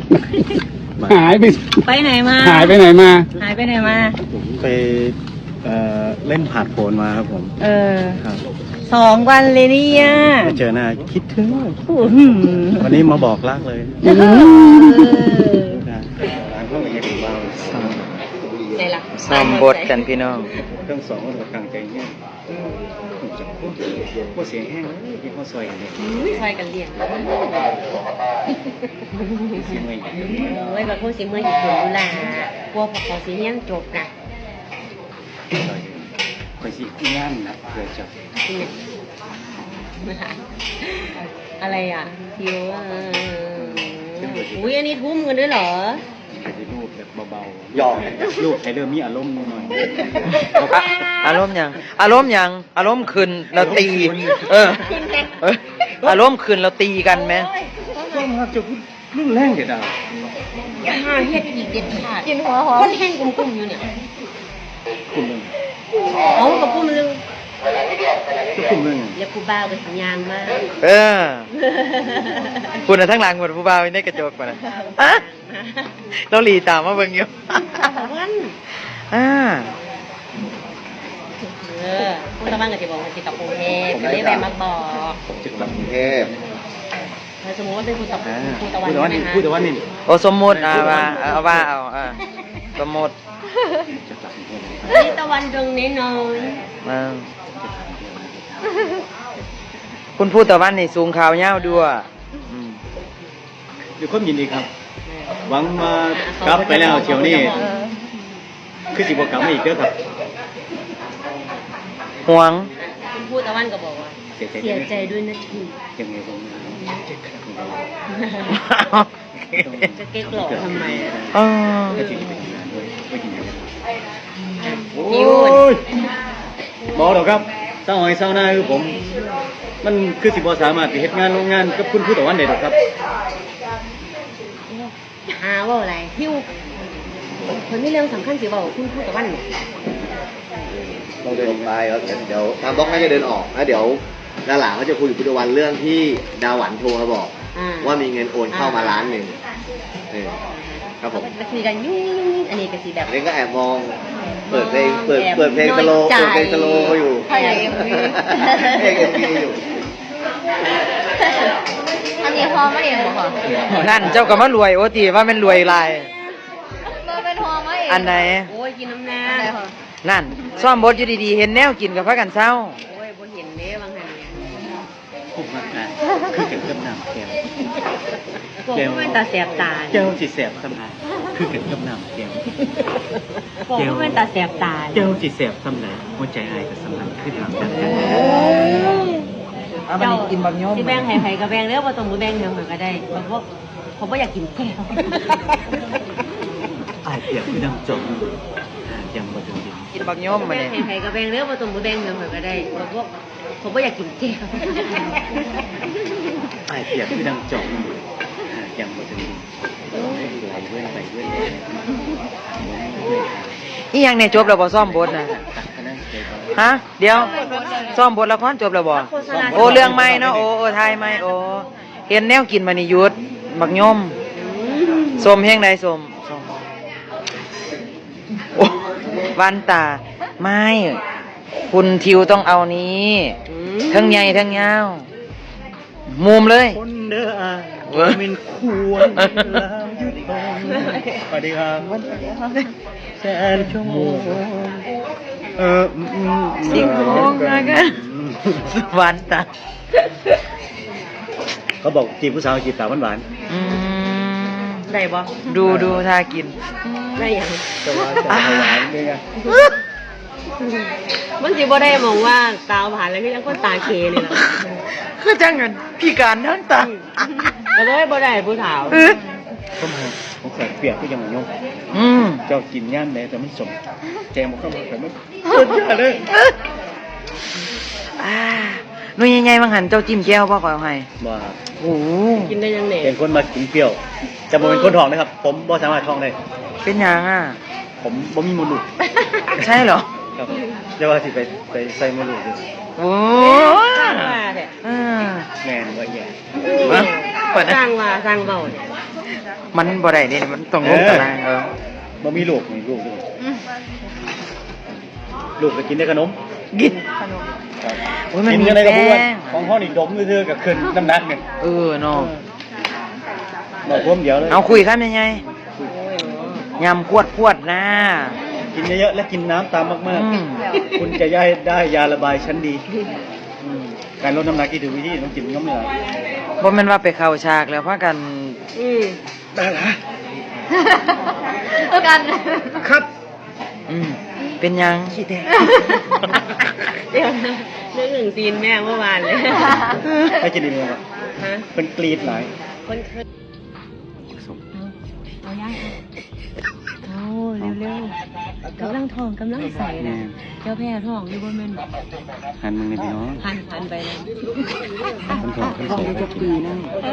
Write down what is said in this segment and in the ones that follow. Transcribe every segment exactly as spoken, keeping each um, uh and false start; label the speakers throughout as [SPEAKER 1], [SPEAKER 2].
[SPEAKER 1] หายไป
[SPEAKER 2] ไปไหนมา
[SPEAKER 1] หายไปไหนมา
[SPEAKER 2] หายไปไหนมา
[SPEAKER 3] ผมไปเล่นผ่านโผนมาครับผม
[SPEAKER 2] เออสองวันเลยเนี่ย
[SPEAKER 3] ไม่เจอหน้าคิดถึงวันนี้มาบอกรักเลยร้านเขาเป็นยังไงบ้าง
[SPEAKER 2] ซ้ำ
[SPEAKER 4] บทกันพี่น้อง
[SPEAKER 3] เครื่องสองก็ถูกกลางใจเนี่ยพวกเสียงแห้งที่เขาซอยกันเนี่ย
[SPEAKER 2] ซอยกันเรียน
[SPEAKER 3] เสียงเมื่อย
[SPEAKER 2] เว้ยแบบพวกเสียงเมื่อยอยู่คนดูแลพวกเขาเสียงจบนะ
[SPEAKER 3] คอยสิงานนะเพื่อจะ
[SPEAKER 2] อะไรอ่ะทิวอุ้ยอันนี้ทุ่มกันด้วยเหรอ
[SPEAKER 3] รูปแบบเบาๆหยอกรูปให้เริ่มมีอารมณ์หน่อย
[SPEAKER 4] อารมณ์ยังอารมณ์ยังอารมณ์ขึ้นเราตีเอออารมณ์ขึ้นเราตีกันไหม
[SPEAKER 3] ก็มาจะพูดเรื่องแรงเด็ดอ่ะ
[SPEAKER 2] อย่าห้าเฮ็ดอีกเด็ดขาดกินหัวหอมคนแห้งกลุ่มๆอยู่เนี่ย
[SPEAKER 3] กลุ่มหนึ่ง
[SPEAKER 2] เอากับกลุ่มนึง
[SPEAKER 3] ก็กลุ่มหนึ่ง
[SPEAKER 2] อย่าผู้บ่าวเป็นสัญญาณมาก
[SPEAKER 4] เออคุณน่ะทั้งหลังหมดผู้บ่าวในกระจกมานะเราหลีตามมาเบิ่งอยู่
[SPEAKER 2] วัน
[SPEAKER 4] อ่า
[SPEAKER 2] เออคุณตะวันก็จะบอกว่าจะกลับกรุงเทพก็ได้แวะมาบอก
[SPEAKER 3] ผมจะกลับกรุงเทพ
[SPEAKER 2] ถ้าสมมติว่าเป็นคุณตะวันคุณตะวันนะคะ
[SPEAKER 3] คุณตะวันนี่
[SPEAKER 4] โอ้สมมติอ่าว่าเอาว่าเอาอ่าสมมติ
[SPEAKER 2] นี่ตะวันดวงน้อย
[SPEAKER 4] คุณพูดตะวันนี่สูงขาวเย้าด้วย
[SPEAKER 3] อยู่ความยินดีครับหวังมากลับไปแล้วเชียวนี่คือสิบกลับมาอีกเด้อครับ
[SPEAKER 4] ห่วง
[SPEAKER 2] คุณพูดตะวันก็บอกว่าเสียใจด้วยนะที
[SPEAKER 3] ยังไงผม
[SPEAKER 2] จะเก๊กหลอกทำไม
[SPEAKER 4] อ๋อ
[SPEAKER 3] ก็จริงเป็นงานด้วยไม่กินอย่างนั้น
[SPEAKER 2] ยิ้ว
[SPEAKER 3] บอกหรอกครับเศร้าหอยเศร้าหน้าคือผมมันคือสิบสามารถไปเฮ็ดงานโรงงานกับคุณผู้ตะวันได้หรอกครับ
[SPEAKER 2] หาว่าอะไรฮิวคนไม่เรื่องสำคัญสิบอกคุณพูดตะวัน
[SPEAKER 5] เราเดินไปแล้วเดี๋ยวทางบล็อกน่าจะเดินออกแล้วเดี๋ยวด้านหลังเขาจะคุยกับพุทธวันเรื่องที่ดาหวันโทรมาบอกว่ามีเงินโอนเข้ามาล้านหนึ่งครับผม
[SPEAKER 2] คุยกันยุ่งอันนี้ก็สีแบบ
[SPEAKER 5] อันนี้ก็แอบมองเปิดเพลงเปิดเปิดเพลงสโลว์เปิดเพลงสโลว์อยู่
[SPEAKER 2] เพลงเอ็มวี
[SPEAKER 5] เพลงเอ็มวีอยู่
[SPEAKER 2] อันนี้พอไม่เองหรอ
[SPEAKER 4] นั่นเจ้าก็มารวยโอ้ตีว่ามันรวยลาย
[SPEAKER 2] มันเป็นพอไม่เอง
[SPEAKER 4] อันไหน
[SPEAKER 2] โอ้ยกินน้ำน้
[SPEAKER 4] ำนั่นซ่อมบดอยู่ดีๆเห็นแนวกินกับพระกันเศร้า
[SPEAKER 2] โอ้ยบนเห็นเด้บางแห่ง
[SPEAKER 3] ผมมาอ่านคือเกิดกับน้ำแก้ว
[SPEAKER 2] แก้วเป็นตาแสบตา
[SPEAKER 3] แก้วสิแสบสำนักคือเกิดกับน้ำแก้ว
[SPEAKER 2] แก้วเป็นตาแสบตา
[SPEAKER 3] แก้วสิแสบสำนักหัวใจอายกับสำนักคือถามกัน
[SPEAKER 4] เอามันกินบางย่อม
[SPEAKER 2] ที่แบงไห่ๆกับแบงแล้วพอตรงมือแบงเดียวเหมือนก็ได้เพราะว่าผมว่าอยากกินแก้ว
[SPEAKER 3] อายเปียกคือดังจมยังบ่ถึงดิน
[SPEAKER 4] กินบางย่อมมา
[SPEAKER 2] เนี่ยไห่ๆกับแบงแล้วพอตรงมือแบงเดียวเหมือนก็ได้เพราะว่าผมว่าอยากกินแก้ว
[SPEAKER 3] อายเปียกคือดังจมยังบ่ถึงดินไหลเว้นไปเว้น
[SPEAKER 4] อีหยังเนี่ยจบแล้วบ่ซ่อมบทนะฮะเดี๋ยวซ่อมบทละครจบแล้วบ่โอ้เรื่องใหม่เนาะโอ้โอ้ทายใหม่โอ้เห็นแนวกินมานี่ยุดบักย่อมส้มแห้งใดส้มโอ้วันตาไม่คุณทิวต้องเอานี้ทั้งใหญ่ทั้งยาวมุมเลย
[SPEAKER 3] คนเด้ออ่ะเป็นควรแล้วยุดลงสวัสดีครับแสนชั่วโมงเออ
[SPEAKER 4] สิบโมงแล้วกันวันตา
[SPEAKER 3] เขาบอกจีบผู้สาวจีบสาวหวาน
[SPEAKER 2] ๆได้บ่
[SPEAKER 4] ดูดูท่ากิน
[SPEAKER 2] ได้ยัง
[SPEAKER 3] จะหวานจะหวานด้วยไง
[SPEAKER 2] มันจีบ่ได้มองว่าตาผ่านแล้วก็ยังคนตาเคเลยนะ
[SPEAKER 4] คือจังเงินพี่การทั้งตา
[SPEAKER 2] ก็เลยบ่ได้ผู้สาว
[SPEAKER 3] ผมผมใส่เปียกก็ยังยงเจ้ากินย่านไหนแต่มันสมแกงมันก็มันแต่มันสุดยอดเลย
[SPEAKER 4] อ่าหนุ่ยใหญ่ๆบางหันเจ้าจิ้มแก้วพ่อขอให้
[SPEAKER 3] บ่
[SPEAKER 4] โอ้
[SPEAKER 2] กินได้ยังไง
[SPEAKER 3] เป็นคนมากินเปรี้ยวจะบ่เป็นคนท้องนะครับผมบ่สามารถท้องได้
[SPEAKER 4] เป็นยังอ่ะ
[SPEAKER 3] ผมบ่มีมดลูก
[SPEAKER 4] ใช่เหรอ
[SPEAKER 3] ครับเดี๋ยวว่าสิไปไปใส่มดลูกดิ
[SPEAKER 4] โอ้
[SPEAKER 2] สร้างว่าเนี่ย
[SPEAKER 3] แม่นว่าแย่
[SPEAKER 2] สร้างว่าสร้างเบาเนี่ย
[SPEAKER 4] มันบ่ได้นี่มันต้องลงตารางเออ
[SPEAKER 3] บ่มีลูกมีลูกด้วยลูกก็กินได้ขนม
[SPEAKER 4] กินโอ้ยมัน
[SPEAKER 3] กิน
[SPEAKER 4] มี
[SPEAKER 3] อะไรกับพวก
[SPEAKER 4] แป้ง
[SPEAKER 3] ของห้อนี่ดมซื่อๆกับขึ้นน้ำหนักเนี่ย
[SPEAKER 4] เออเนาะ
[SPEAKER 3] บอกพวมเดียวเลย
[SPEAKER 4] เอาคุยครับยังไงยำขวดขวดๆนะ
[SPEAKER 3] กินเยอะๆและกินน้ำตามมาก
[SPEAKER 4] อืม
[SPEAKER 3] ๆ คุณจะได้ได้ยาระบายชั้นดีอืมการลดน้ำหนักที่ถูกวิธีต้องกินน้ำเหนือ
[SPEAKER 4] บ่แม่นว่าไปเข้าฉากแล้วพากัน
[SPEAKER 2] อืม
[SPEAKER 3] ได้ละ
[SPEAKER 2] แล้วกัน
[SPEAKER 3] ครับ
[SPEAKER 4] อืมเป็นยัง
[SPEAKER 3] ขี้แดง
[SPEAKER 2] เดี๋ยวนะเรื่องหนึ่งซีนแม่เมื่อวานเลย
[SPEAKER 3] ให้กินดีมั้ยครับ
[SPEAKER 2] ฮะ
[SPEAKER 3] เป็นกรีดหลาย
[SPEAKER 2] คนเคยเอาย่างเอาเร็วๆกำลังทองกำลังใส่นะเจ้าแพ้ทองอยู่บนแม่น
[SPEAKER 3] หันมึงนี่พี่น้อง
[SPEAKER 2] พันพันไปเลย
[SPEAKER 3] คนทองคนสวยจะปีนะ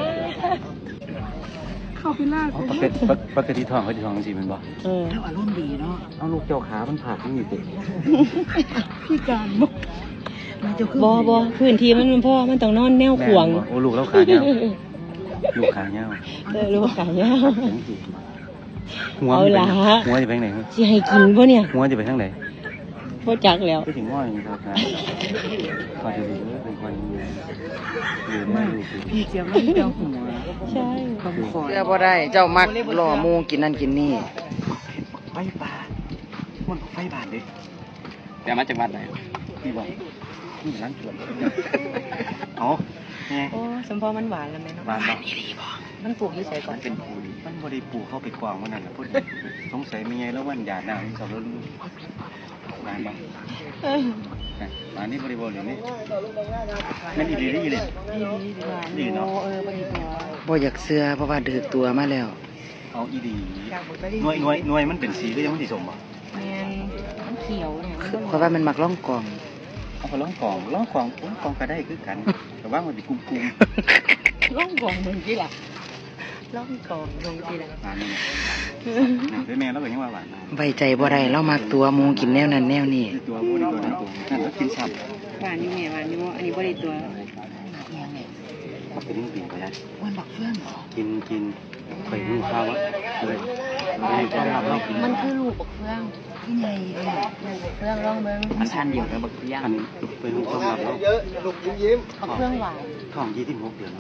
[SPEAKER 2] เข้าไปลาก
[SPEAKER 3] ปกติปกติทองเขาจะทองจริงมันบ่
[SPEAKER 2] เออ
[SPEAKER 4] อารมณ์ดีเนาะ
[SPEAKER 3] เอาลูกเจ้าขามันผ่าทั้งอยู่ติ
[SPEAKER 2] พี่การบอกบอบอพื้นที่มันมันพ่อมันต้องนอนแนวขวาง
[SPEAKER 3] โอ้ลูกแล้วขาเนี้ยลูกขาเนี้ย
[SPEAKER 2] เออรู้ว่าขายาว
[SPEAKER 3] หัว
[SPEAKER 2] เอาล่ะ
[SPEAKER 3] หัวจะไปทางไหน
[SPEAKER 2] สิให้กินปะเนี่ย
[SPEAKER 3] หัวจะไปทางไหน
[SPEAKER 2] พ่จักแล้ว
[SPEAKER 3] ก็ถึงว่าอย่างนี้ครับนะก็จะดีเลยเป็นคนอยู่ได้อยู่พี่เจียมไม่เจียมหัว
[SPEAKER 2] ใช่
[SPEAKER 4] เสื้อบ่ได้เจ้ามักหล่อหมูกินนั่นกินนี่
[SPEAKER 3] ไฟป่ามันไฟบานดิแต่มาจากวัดไหนพี่บอกนี่ร้านสวนอ๋อไง
[SPEAKER 2] โอ้สมพอมันหวานแล้วไหมเนาะ
[SPEAKER 3] บ้านบอก
[SPEAKER 2] มันปลูกอยู่ใส่ก่อน
[SPEAKER 3] เป็นปูมันบริปูเข้าไปกวางมันนั่นแหละพูดสงสัยมีไงแล้ววันหยาดหน้าสาวรุ่นบ้านบอกบ้านนี้บริบูรณ์อย่างนี้นั่นอีดีได้อีเลยดีเนาะ
[SPEAKER 2] เออพอดีตัว
[SPEAKER 4] บ่อยากเสื้อเพราะว่าดือตัวมาแล้ว
[SPEAKER 3] เอาอีดีหน่วยหน่วยหน่วยมันเป็นสีหรือยังไม่สีสมบ่
[SPEAKER 2] แมนมันเขียวเนี่ยมัน
[SPEAKER 4] เพราะว่ามันมักล่องกล่อง
[SPEAKER 3] เอาไปล้องกล่องล้องกล่องล้องกล่องก็ได้คือกันแต่ว่ามันเป็นกุ้งกุ้ง
[SPEAKER 2] ร่องกองมึงกี่ล่ะร่องกองลงกี่ล่ะ
[SPEAKER 3] หวานนี่ด้วยแม่แล้วก็ยังว่าหวาน
[SPEAKER 4] ไว้ใจบ่ได้เรามักตัวหมูกินแนวนั้นแนวนี้
[SPEAKER 3] ตัวผู้นี่ตัวนั้นตัวนั่นแล้วกินซ้ำ
[SPEAKER 2] หวานอยู่แม่หวานอยู่อันนี้บริตัว
[SPEAKER 3] มันเป็นยิ่งกินไปได้
[SPEAKER 4] วันบักเฟื่องเหรอ
[SPEAKER 3] กินกินไปนึ่งข้าววะเลยไม่ได้รับไม่กิน
[SPEAKER 2] มันคือลูกบักเฟืองที่ไงลูกบักเฟืองร่องเมือง
[SPEAKER 4] มันทานเดียวกับบักเฟื่อง
[SPEAKER 3] อันเป็นลูกต้องรับแล้ว
[SPEAKER 2] บักเฟืองหวาน
[SPEAKER 3] ท้องยี่สิบหกเดือนแล้ว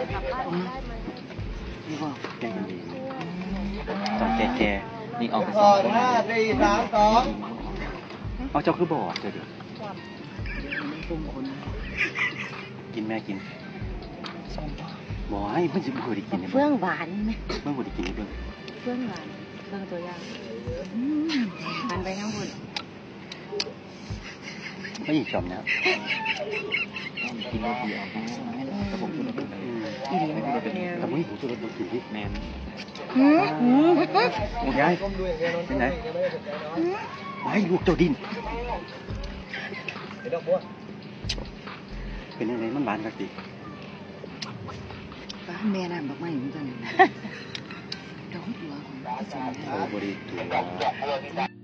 [SPEAKER 3] นี่ว่าแก่ดีต้องแก่แก่นี่ออกไปสองคนเอาเจ้าคือบ่อเดี๋ยวเดี๋ยวกินแม่กินบ่ให้มันจะบ่ได้กิน
[SPEAKER 2] เฟืองหวานไหม
[SPEAKER 3] มันบ่ได้กินเบิ่ง
[SPEAKER 2] เฟืองหวานเฟืองตัวอย่างหันไปทั้งหมด
[SPEAKER 3] ไม่ยิงจอมนะกินรถเดียวแต่ผมกินรถเป็นอีนี่ไม่ได้เป็นแต่ผมผมกินรถกินที่แมนโอ้ยายเป็นไงไอ้ลูกเจ้าดินเป็นยังไงมันบานกันดิ
[SPEAKER 4] บ้านแม่น้ำบักไม้เหมือนกันดอกหัวของพี่สาว
[SPEAKER 3] โอ้บริสุทธิ์